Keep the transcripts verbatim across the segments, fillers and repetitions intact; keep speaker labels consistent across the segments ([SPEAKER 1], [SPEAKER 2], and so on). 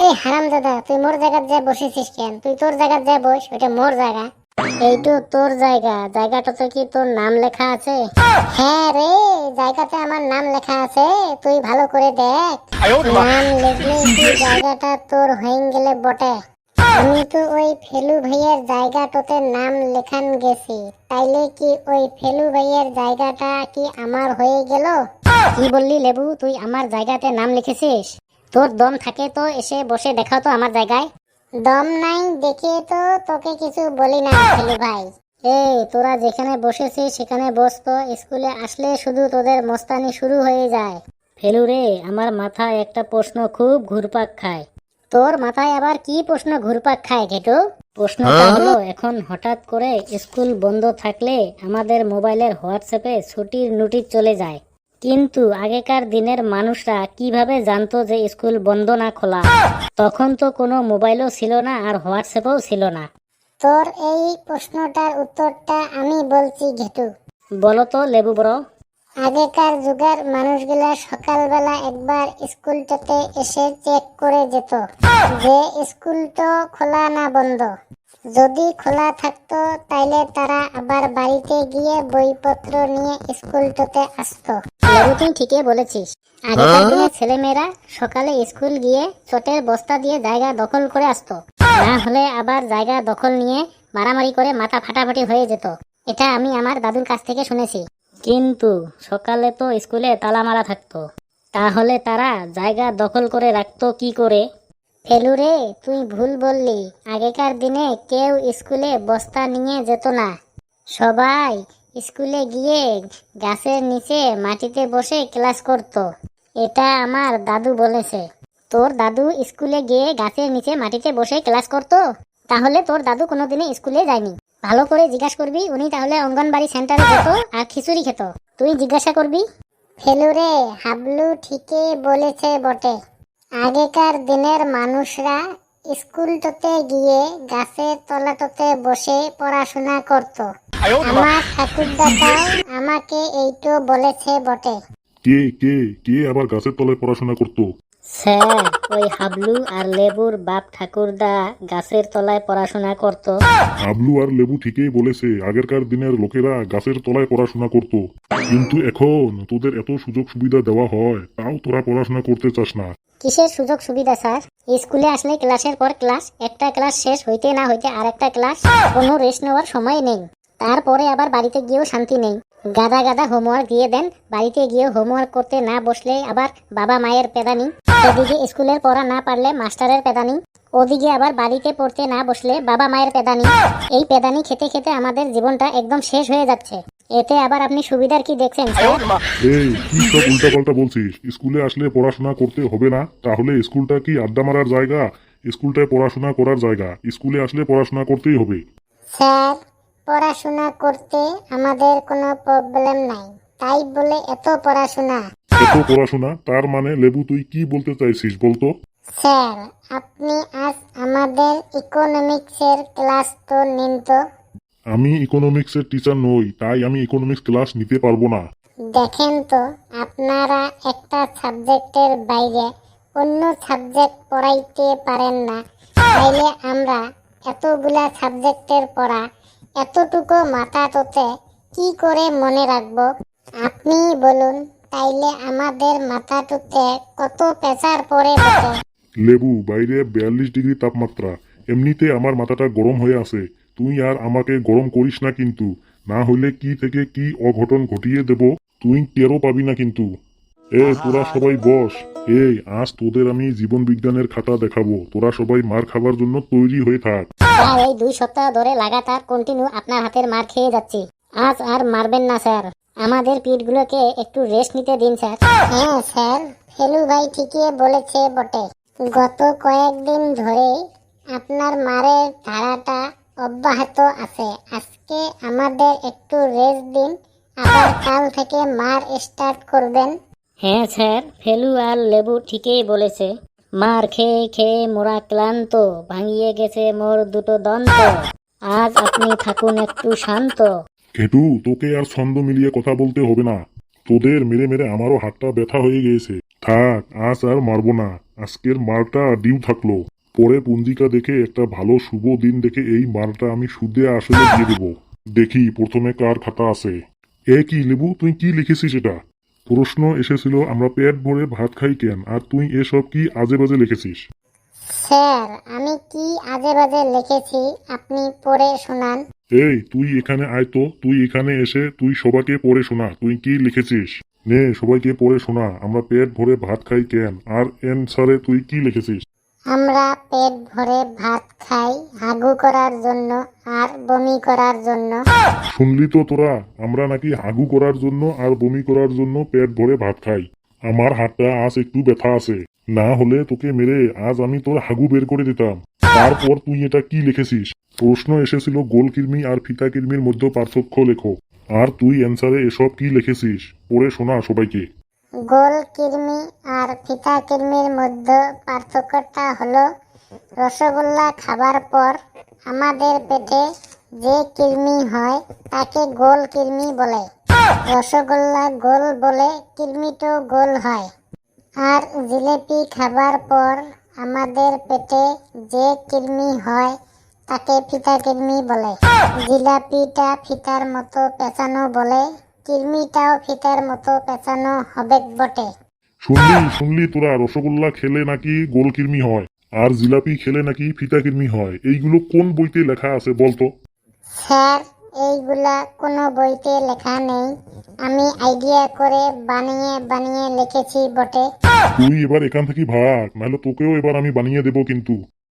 [SPEAKER 1] এই হারামজাদা, তুই মোর জায়গায় যা বসেছিস কেন? তুই তোর জায়গায় যা বস, ওটা মোর জায়গা। এইটু তোর জায়গা, জায়গাটাতে কি তোর নাম লেখা আছে? হ্যাঁ রে, জায়গাতে আমার নাম লেখা আছে, তুই ভালো করে দেখ। নাম লিখলে কি জায়গাটা তোর হয়ে গেলে বটে। আমি তো ওই ফেলু ভাইয়ের জায়গাটাতে নাম লেখান গেছি, তাইলে কি ওই ফেলু ভাইয়ের জায়গাটা কি আমার হয়ে গেল? কি বললি লেবু, তুই আমার জায়গাতে নাম লিখেছিস? তোর দম থাকে তো এসে বসে দেখাও তো আমার জায়গায়। দম নাই দেখে তো তোকে কিছু বলি না ফেলু ভাই। এই তোরা যেখানে বসেছিস সেখানে বস তো, স্কুলে আসলে শুধু তোদের মস্তানি শুরু হয়ে যায়। ফেলু রে, আমার মাথায় একটা প্রশ্ন খুব ঘুরপাক খায়। তোর মাথায় আবার কি প্রশ্ন ঘুরপাক খায় ঘেটু? প্রশ্নটা হলো, এখন হঠাৎ করে স্কুল বন্ধ থাকলে আমাদের মোবাইলের হোয়াটসঅ্যাপে ছুটির নোটিশ চলে যায়, কিন্তু আগেকার দিনের মানুষরা কিভাবে জানতো যে স্কুল বন্ধ না খোলা? তখন তো কোনো মোবাইলও ছিল না আর হোয়াটসঅ্যাপও ছিল না। তোর এই প্রশ্নটার উত্তরটা আমি বলছি ঘেটু। বলো তো লেবু বড়। আগেকার যুগের মানুষগুলা সকালবেলা একবার স্কুলটাতে এসে চেক করে যেত যে স্কুলটা খোলা না বন্ধ। যদি খোলা থাকতো তাইলে তারা আবার বাড়িতে গিয়ে বইপত্র নিয়ে স্কুলটাতে আসতো। লেবু তুই ঠিকই বলেছিস, আগেকার দিনের ছেলেমেয়েরা সকালে স্কুল গিয়ে চটের বস্তা দিয়ে জায়গা দখল করে আসতো, না হলে আবার জায়গা দখল নিয়ে মারামারি করে মাথা ফাটাফাটি হয়ে যেত। এটা আমি আমার দাদুর কাছ থেকে শুনেছি। কিন্তু সকালে তো স্কুলে তালা মারা থাকতো, তাহলে তারা জায়গা দখল করে রাখতো কি করে? ফেলু রে, তুই ভুল বললি। আগেকার দিনে কেউ স্কুলে বস্তা নিয়ে যেত না, সবাই স্কুলে গিয়ে গাছের নিচে মাটিতে বসে ক্লাস করত। এটা আমার দাদু বলেছে। তোর দাদু স্কুলে গিয়ে গাছের নিচে মাটিতে বসে ক্লাস করত? তাহলে তোর দাদু কোনোদিনে স্কুলে যায়নি। ভালো করে জিজ্ঞাসা করবি, উনি তাহলে অঙ্গনবাড়ি সেন্টারে যেত আর খিচুড়ি খেত। তুই জিজ্ঞাসা করবি। ফেলু রে, হাবলু ঠিকই বলেছে বটে। আগেকার দিনের মানুষরা স্কুলটাতে গিয়ে গাছের তলাটাতে বসে পড়াশোনা করত। আমার ঠাকুরদাদাও আমাকে এইটো বলেছে বটে।
[SPEAKER 2] কে কে কে আবার গাছের তলায় পড়াশোনা করতো?
[SPEAKER 1] স্যার, ওই হাবলু আর লেবুর বাপ ঠাকুরদা গাছের তলায় পড়াশোনা করত।
[SPEAKER 2] হাবলু আর লেবু ঠিকই বলেছে, আগেরকার দিনের লোকেরা গাছের তলায় পড়াশোনা করত। কিন্তু এখন তোদের এত সুযোগ সুবিধা দেওয়া হয়, তাও তোরা পড়াশোনা করতে চাস না।
[SPEAKER 1] কিসের সুযোগ সুবিধা স্যার? স্কুলে আসলে ক্লাসের পর ক্লাস, একটা ক্লাস শেষ হইতে না হইতে আর একটা ক্লাস, কোনো রেস্ট নেওয়ার সময় নেই। তারপরে আবার বাড়িতে গিয়েও শান্তি নেই। গাদা গাদা হোমওয়ার্ক দিয়ে দেন, বাড়িতে গিয়েও হোমওয়ার্ক করতে না বসলে আবার বাবা মায়ের পেদানি। এদিকে স্কুলের পড়া না পারলে মাস্টারের পেদানি, ওদিকে আবার বাড়িতে পড়তে না বসলে বাবা মায়ের পেদানি। এই পেদানি খেতে খেতে আমাদের জীবনটা একদম শেষ হয়ে যাচ্ছে। এতে আবার আপনি সুবিধার কি দেখছেন স্যার?
[SPEAKER 2] এই কি সব উল্টাপাল্টা বলছিস? স্কুলে আসলে পড়াশোনা করতে হবে না? তাহলে স্কুলটা কি আড্ডা মারার জায়গা? স্কুলটায় পড়াশোনা করার জায়গা, স্কুলে আসলে পড়াশোনা করতেই হবে।
[SPEAKER 1] স্যার, পড়াশোনা করতে আমাদের কোনো প্রবলেম নাই, তাই বলে এত পড়াশোনা।
[SPEAKER 2] এত পড়াশোনা তার মানে লেবু তুই কি বলতে চাইছিস বলতো?
[SPEAKER 1] স্যার, আপনি আজ আমাদের ইকোনমিক্সের ক্লাস তো নিন তো।
[SPEAKER 2] আমি ইকোনমিক্সের টিচার নই, তাই আমি ইকোনমিক্স ক্লাস নিতে পারবো না।
[SPEAKER 1] দেখেন তো, আপনারা একটা সাবজেক্টের বাইরে অন্য সাবজেক্ট পড়াইতে পারেন না, তাইলে আমরা এতগুলা সাবজেক্টের পড়া এতটুকু মাথাটোতে কি করে মনে রাখবো? আপনি বলুন, তাইলে আমাদের মাথাটোতে কত প্রেসার পড়ে বটে।
[SPEAKER 2] লেবু, বাইরে বিয়াল্লিশ ডিগ্রি তাপমাত্রা, এমনিতে আমার মাথাটা গরম হয়ে আছে। তুই আর আমাকে গরম করিস না কিন্তু, না হইলে কি থেকে কি অঘটন ঘটিয়ে দেব তুই টেরও পাবি না কিন্তু। এ তোরা সবাই বস। এই আজ তোদের আমি জীবন বিজ্ঞানের খাতা দেখাবো, তোরা সবাই মার খাবার জন্য তৈরি হয়ে থাক।
[SPEAKER 1] স্যার, এই দুই সপ্তাহ ধরে লাগাতার কন্টিনিউ আপনার হাতের মার খেয়ে যাচ্ছি। আজ আর মারবেন না স্যার, আমাদের পিঠগুলোকে একটু রেস্ট নিতে দিন স্যার। হ্যাঁ স্যার, ফেলু ভাই ঠিকই বলেছে বটে। গত কয়েকদিন ধরে আপনার মারের ধারাটা অব্যাহত আছে। আজকে আমাদের একটু রেস্ট দিন, আবার কাল থেকে মার স্টার্ট করবেন। হ্যাঁ স্যার, ফেলু আর লেবু ঠিকই বলেছে। মার খেয়ে খেয়ে মোরা ক্লান্ত, ভাঙিয়ে গেছে মোর দুটো দন্ত। আজ আপনি থাকুন একটু শান্ত।
[SPEAKER 2] ঘেটু, তোকে আর ছন্দ মিলিয়ে কথা বলতে হবে না। তোদের মেরে মেরে আমারও হাতটা ব্যথা হয়ে গিয়েছে। থাক, আজ আর মারবো না। আজকের মালটা ডিউ থাকলো, পরে পঞ্জিকা দেখে একটা ভালো শুভ দিন দেখে এই মালটা আমি সুদে আসলে দিয়ে দেবো। দেখি প্রথমে কার খাতা আছে। এ কি লেবু, তুই কি লিখেছিস এটা? প্রশ্ন এসেছিল আমরা পেট ভরে ভাত খাই কেন, আর তুই এসব কি আজে বাজে লিখেছিস?
[SPEAKER 1] স্যার, আমি কি আজে বাজে লিখেছি আপনি পড়ে শোনান।
[SPEAKER 2] এই তুই এখানে আয় তো, তুই এখানে এসে তুই সবাইকে পড়ে শোনা তুই কি লিখেছিস। নে সবাইকে পড়ে শোনা আমরা পেট ভরে ভাত খাই কেন, আর এনসারে তুই কি লিখেছিস।
[SPEAKER 1] আমরা পেট ভরে ভাত খাই হাগু করার জন্য আর বমি করার জন্য।
[SPEAKER 2] শুনলি তো তোরা, আমরা নাকি হাগু করার জন্য আর বমি করার জন্য পেট ভরে ভাত খাই। আমার হাতটা আজ একটু ব্যথা আছে, না হলে তোকে মেরে আজ আমি তোর হাগু বের করে দিতাম। তারপর তুই এটা কি লিখেছিস? প্রশ্ন এসেছিল গোল কির্মি আর ফিতা কির্মির মধ্যে পার্থক্য লেখো, আর তুই অ্যান্সারে এসব কি লিখেছিস পড়ে শোনা সবাইকে।
[SPEAKER 1] গোল কির্মি আর ফিতা কির্মির মধ্যে পার্থক্যটা হলো রসগোল্লা খাবার পর আমাদের পেটে যে কৃমি হয় তাকে গোল কৃমি বলে। রসগোল্লা গোল বলে কৃমিটো গোল হয়। আর জিলেপি খাবার পর আমাদের পেটে যে কৃমি হয় তাকে ফিতা কৃমি বলে। জিলাপিটা ফিতার মতো পেঁচানো বলে, কৃমিটাও ফিতার মতো পেঁচানো হবে বটে।
[SPEAKER 2] শুনলি শুনলি তোরা, রসগোল্লা খেলে নাকি গোল কির্মি হয় আর জিলাপি খেলে নাকি ফিতা কির্মি হয়। এইগুলো কোন বইতে লেখা আছে বলতো?
[SPEAKER 1] স্যার, এইগুলা কোনো বইতে লেখা নেই, আমি আইডিয়া করে বানিয়ে বানিয়ে লিখেছি বটে।
[SPEAKER 2] তুই এবার এখান থেকে ভাগ, নাহলে তোকেও এবার আমি বানিয়ে দেব কিন্তু।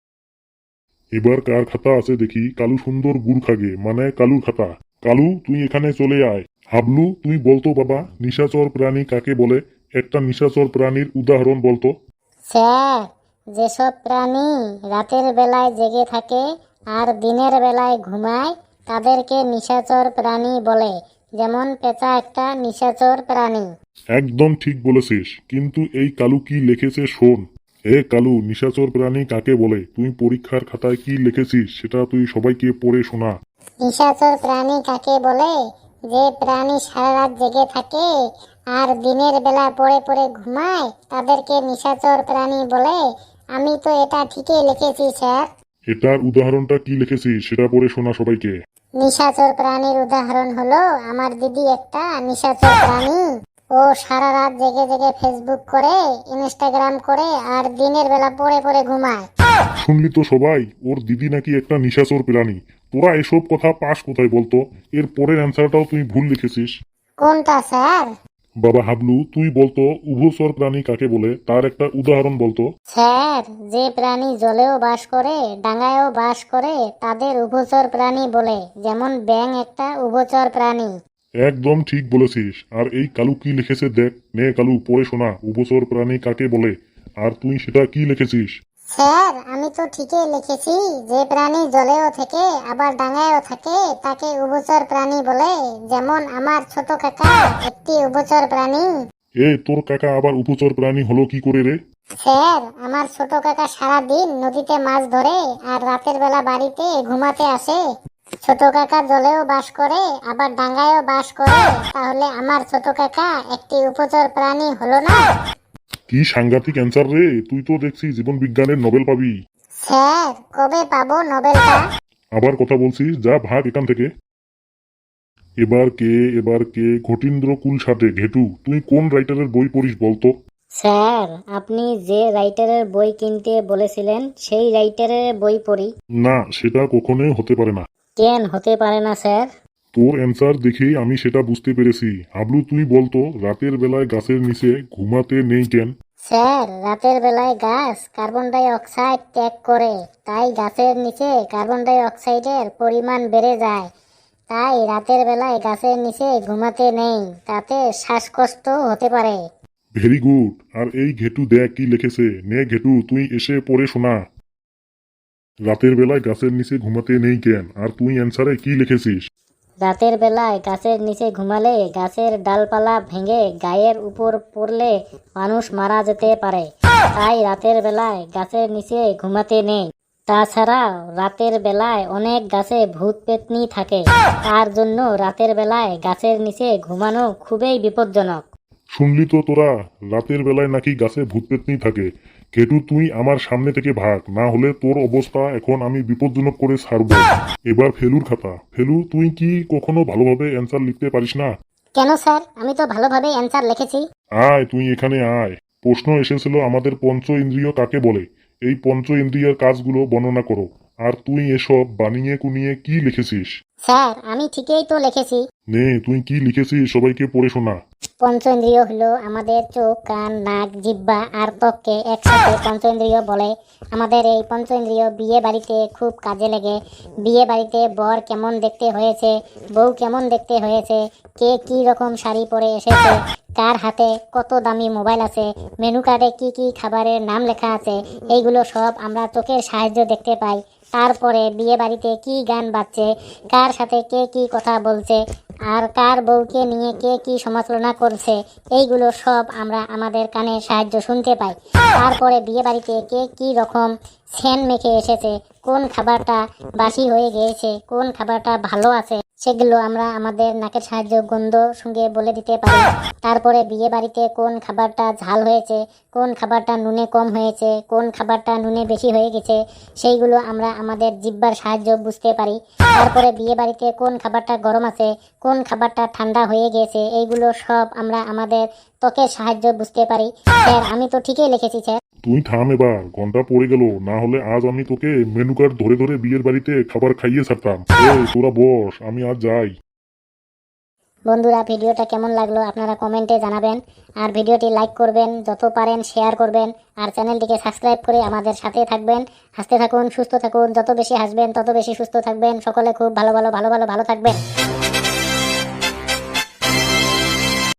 [SPEAKER 2] এবার কার খাতা আছে দেখি। কালু সুন্দর গুড় খাগে, মানে কালুর খাতা। কালু তুই এখানে চলে আয়। হাবলু তুই বলতো বাবা, নিশাচর প্রাণী কাকে বলে? একটা নিশাচর প্রাণীর উদাহরণ বলতো।
[SPEAKER 1] স্যার, যেসব প্রাণী রাতের বেলায় জেগে থাকে আর দিনের বেলায় ঘুমায় তাদেরকে নিশাচর প্রাণী বলে। যেমন পেঁচা একটা নিশাচর প্রাণী।
[SPEAKER 2] একদম ঠিক বলেছিস, কিন্তু এই কালু কি লিখেছে শোন। এ কালু, নিশাচর প্রাণী কাকে বলে তুই পরীক্ষার খাতায় কি লিখেছিস সেটা তুই সবাইকে পড়ে শোনা।
[SPEAKER 1] নিশাচর প্রাণী কাকে বলে? যে প্রাণী সারা রাত জেগে থাকে আর দিনের বেলা পড়ে পড়ে ঘুমায় তাদেরকে নিশাচর প্রাণী বলে। আমি তো এটা ঠিকই লিখেছি স্যার।
[SPEAKER 2] এটার উদাহরণটা কি লিখেছিস সেটা পড়ে শোনা সবাইকে।
[SPEAKER 1] নিশাচর প্রাণীর উদাহরণ হলো আমার দিদি একটা নিশাচর প্রাণী। ও সারা রাত জেগে জেগে ফেসবুক করে, ইনস্টাগ্রাম করে আর দিনের বেলা পড়ে পড়ে ঘুমায়।
[SPEAKER 2] শুনলি তো সবাই, ওর দিদি নাকি একটা নিশাচর প্রাণী। তোরা এসব কথা পাস কোথায় বলতো? এর পরের অ্যান্সারটাও তুই ভুল লিখেছিস।
[SPEAKER 1] কোনটা স্যার?
[SPEAKER 2] বাবা হাবলু তুই বলতো উভচর প্রাণী কাকে বলে, তার একটা উদাহরণ বলতো।
[SPEAKER 1] স্যার, যে প্রাণী জলেও বাস করে ডাঙায়ও বাস করে তাদের উভচর প্রাণী বলে। যেমন ব্যাঙ একটা উভচর প্রাণী।
[SPEAKER 2] একদম ঠিক বলেছিস। আর এই কালু কি লিখেছে দেখ, নে কালু পড়ে শোনা উভচর প্রাণী কাকে বলে, আর তুই সেটা কি লিখেছিস।
[SPEAKER 1] স্যার, আমি তো ঠিকই লিখেছি। যে প্রাণী জলেও থাকে আবার ডাঙায়ও থাকে তাকে উভচর প্রাণী বলে। যেমন আমার ছোট কাকা একটি উভচর প্রাণী।
[SPEAKER 2] এ তোর কাকা আবার উভচর প্রাণী হলো কি করে রে?
[SPEAKER 1] স্যার, আমার ছোট কাকা সারা দিন নদীতে মাছ ধরে আর রাতের বেলা বাড়িতে ঘুমাতে আসে। ছোট কাকা জলেও বাস করে আবার ডাঙায়ও বাস করে, তাহলে আমার ছোট কাকা একটি উভচর প্রাণী হলো না?
[SPEAKER 2] কি সাংঘাতিক অ্যান্সার রে, তুই তো দেখছি জীবন বিজ্ঞানের নোবেল পাবি।
[SPEAKER 1] স্যার, কবে পাবো নোবেলটা?
[SPEAKER 2] আবার কথা বলছিস, যা ভাগ এখান থেকে। এবার কে এবার কে ঘটিন্দ্র কুল সাথে ঘেটু, তুই কোন রাইটারের বই পড়িস বলতো?
[SPEAKER 1] স্যার, আপনি যে রাইটারের বই কিনতে বলেছিলেন সেই রাইটারের বই পড়ি।
[SPEAKER 2] না, সেটা কখনোই হতে পারে না।
[SPEAKER 1] কেন হতে পারে না স্যার?
[SPEAKER 2] তোর অ্যান্সার দেখেই আমি সেটা বুঝতে পেরেছি। হাবলু তুই বলতো রাতের বেলায় গাছের নিচে ঘুমাতে নেই কেন?
[SPEAKER 1] স্যার, রাতের বেলায় গাছ কার্বন ডাই অক্সাইড ত্যাগ করে, তাই গাছের নিচে কার্বন ডাই অক্সাইডের পরিমাণ বেড়ে যায়। তাই রাতের বেলায় গাছের নিচে ঘুমাতে নেই, তাতে শ্বাসকষ্ট হতে পারে।
[SPEAKER 2] Very good. আর এই ঘেটু দেখ কি লিখেছে, নে ঘেটু তুই এসে পড়ে শোনা। রাতের বেলায় গাছের নিচে ঘুমাতে নেই কেন, আর তুই অ্যান্সারে কি লিখেছিস।
[SPEAKER 1] রাতের বেলায় গাছের নিচে ঘুমালে গাছের ডালপালা ভেঙে গায়ের উপর পড়লে মানুষ মারা যেতে পারে, তাই রাতের বেলায় গাছের নিচে ঘুমাতে নেই। তাছাড়াও রাতের বেলায় অনেক গাছে ভূত পেতনি থাকে, তার জন্য রাতের বেলায় গাছের নিচে ঘুমানো খুবই বিপজ্জনক।
[SPEAKER 2] শুনলি তো তোরা, রাতের বেলায় নাকি গাছে ভূত পেতনি থাকে, কেটু তুই আমার সামনে থেকে ভাগ, না হলে তোর অবস্থা এখন আমি বিপজ্জনক করে ছাড়বো। এবার ফেলুর খাতা। ফেলু, তুই কি কখনো ভালোভাবে অ্যান্সার লিখতে পারিস না?
[SPEAKER 1] কেন স্যার, আমি তো ভালোভাবে অ্যান্সার লিখেছি।
[SPEAKER 2] আয়, তুই এখানে আয়। প্রশ্ন এসেছিল আমাদের পঞ্চ ইন্দ্রিয় কাকে বলে, এই পঞ্চ ইন্দ্রিয়ের কাজগুলো বর্ণনা করো। আর তুই এসব বানিয়ে কুনিয়ে কি লিখেছিস?
[SPEAKER 1] স্যার, আমি ঠিকই তো লিখেছি।
[SPEAKER 2] নে, তুই কি লিখেছিস সবাইকে পড়ে শোনা।
[SPEAKER 1] পঞ্চেন্দ্রিয় হলো আমাদের চোখ, কান, নাক, জিহ্বা আর ত্বককে একসাথে পঞ্চেন্দ্রিয় বলে। আমাদের এই পঞ্চেন্দ্রিয় বিয়ে বাড়িতে খুব কাজে লাগে। বিয়ে বাড়িতে বর কেমন দেখতে হয়েছে, বউ কেমন দেখতে হয়েছে, কে কি রকম শাড়ি পরে এসেছে, কার হাতে কত দামি মোবাইল আছে, মেনু কার্ডে কি কি খাবারের নাম লেখা আছে, এইগুলো সব আমরা চোখের সাহায্যে দেখতে পাই। তারপরে বিয়ে বাড়িতে কি গান বাজছে, কার সাথে কে কি কথা বলছে, আর কার বউকে নিয়ে কে কি সমালোচনা করছে, এইগুলো সব আমরা আমাদের কানের সাহায্য শুনতে পাই। তারপরে বিয়ে বাড়িতে কে কি রকম সেন মেখে এসেছে, কোন খাবারটা বাসি হয়ে গিয়েছে, কোন খাবারটা ভালো আছে, সেগুলো আমরা আমাদের নাকের সাহায্য গন্ধ সঙ্গে বলে দিতে পারি। তারপরে বিয়ে বাড়িতে কোন খাবারটা ঝাল হয়েছে, কোন খাবারটা নুনে কম হয়েছে, কোন খাবারটা নুনে বেশি হয়ে গেছে, সেইগুলো আমরা আমাদের জিহ্বার সাহায্য বুঝতে পারি। তারপরে বিয়ে বাড়িতে কোন খাবারটা গরম আছে, কোন খাবারটা ঠান্ডা হয়ে গেছে, এইগুলো সব আমরা আমাদের ত্বকের সাহায্য বুঝতে পারি। স্যার, আমি তো ঠিকই লিখেছি স্যার।
[SPEAKER 2] তুই থাম এবার, ঘন্টা পড়ে গেল, না হলে আজ আমি তোকে মেনু কার্ড ধরে ধরে বিয়ের বাড়িতে খাবার খাইয়ে ছাড়তাম। এই তোরা বস, আমি আজ যাই।
[SPEAKER 1] বন্ধুরা, ভিডিওটা কেমন লাগলো আপনারা কমেন্টে জানাবেন। আর ভিডিওটি লাইক করবেন, যত পারেন শেয়ার করবেন, আর চ্যানেলটিকে সাবস্ক্রাইব করে আমাদের সাথে থাকবেন। হাসতে থাকুন, সুস্থ থাকুন, যত বেশি হাসবেন তত বেশি সুস্থ থাকবেন। সকলে খুব ভালো ভালো ভালো ভালো ভালো থাকবেন।